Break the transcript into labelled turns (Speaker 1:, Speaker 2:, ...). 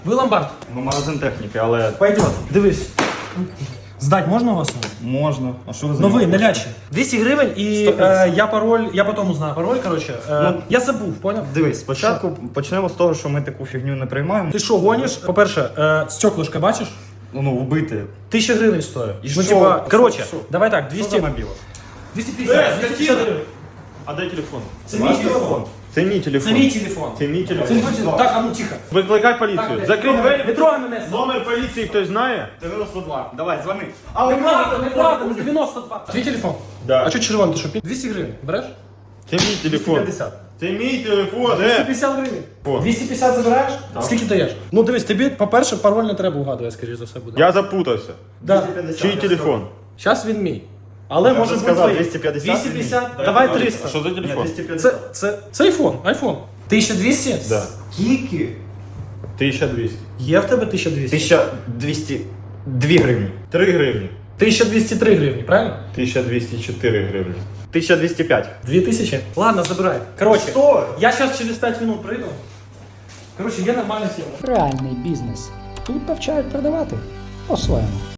Speaker 1: Ви ломбард.
Speaker 2: Ну, магазин техніки, але
Speaker 1: Пойдет. Дивись. Здать можна у вас?
Speaker 2: можна. А що ви за
Speaker 1: Ну ви,
Speaker 2: нього
Speaker 1: не
Speaker 2: хочете?
Speaker 1: лячі. 200 гривень і
Speaker 2: 150.
Speaker 1: я пароль, я потім узнаю пароль, коротше. Я забув, поняв?
Speaker 2: Дивись, спочатку почнемо з того, що ми таку фігню не приймаємо.
Speaker 1: Ти що, гониш? По-перше, стеклышко бачиш?
Speaker 2: Ну, вбити.
Speaker 1: 1000 гривень стоїть.
Speaker 2: І
Speaker 1: Ну,
Speaker 2: що?
Speaker 1: типа, коротше,
Speaker 2: Що?
Speaker 1: давай так,
Speaker 2: Що
Speaker 1: 200...
Speaker 2: за мобіла?
Speaker 1: 250, 250 гривень.
Speaker 2: А дай телефон.
Speaker 1: Це мій телефон.
Speaker 2: Це мій
Speaker 1: Це
Speaker 2: телефон.
Speaker 1: мій телефон.
Speaker 2: Це мій
Speaker 1: Це
Speaker 2: телефон.
Speaker 1: мій телефон. Так, а ну тихо.
Speaker 2: Викликай поліцію.
Speaker 1: Так,
Speaker 2: Закрий двері.
Speaker 1: Не трогай мене.
Speaker 2: Номер поліції хтось знає? 92. Давай, дзвони.
Speaker 1: Неправда, не 92. Твій телефон?
Speaker 2: Да.
Speaker 1: А що червоний, ти що, 200 гривень, береш?
Speaker 2: Це мій телефон.
Speaker 1: 250.
Speaker 2: Це мій телефон.
Speaker 1: 250 гривень.
Speaker 2: О.
Speaker 1: 250 забираєш? Скільки даєш? Ну дивись, тобі, по-перше, пароль не треба угадувати, скоріш за все буде.
Speaker 2: Я запутався.
Speaker 1: Да.
Speaker 2: Чий телефон?
Speaker 1: Зараз він мій. Але
Speaker 2: Я
Speaker 1: може
Speaker 2: вже
Speaker 1: бути
Speaker 2: сказав,
Speaker 1: твій.
Speaker 2: 250
Speaker 1: 250, давай 300.
Speaker 2: А що за телефон?
Speaker 1: Це айфон, айфон. 1200?
Speaker 2: Да.
Speaker 3: Скільки?
Speaker 2: 1200.
Speaker 1: Є в тебе 1200?
Speaker 3: 1202 гривні.
Speaker 2: 3 гривні.
Speaker 1: 1203 гривні, правильно?
Speaker 2: 1204 гривні.
Speaker 3: 1205.
Speaker 1: 2000? Ладно, забирай. Короче,
Speaker 2: Що?
Speaker 1: я сейчас через 5 минут прийду. Короче, є нормальна тема.
Speaker 4: Реальний бізнес. Тут навчають продавати по-своєму.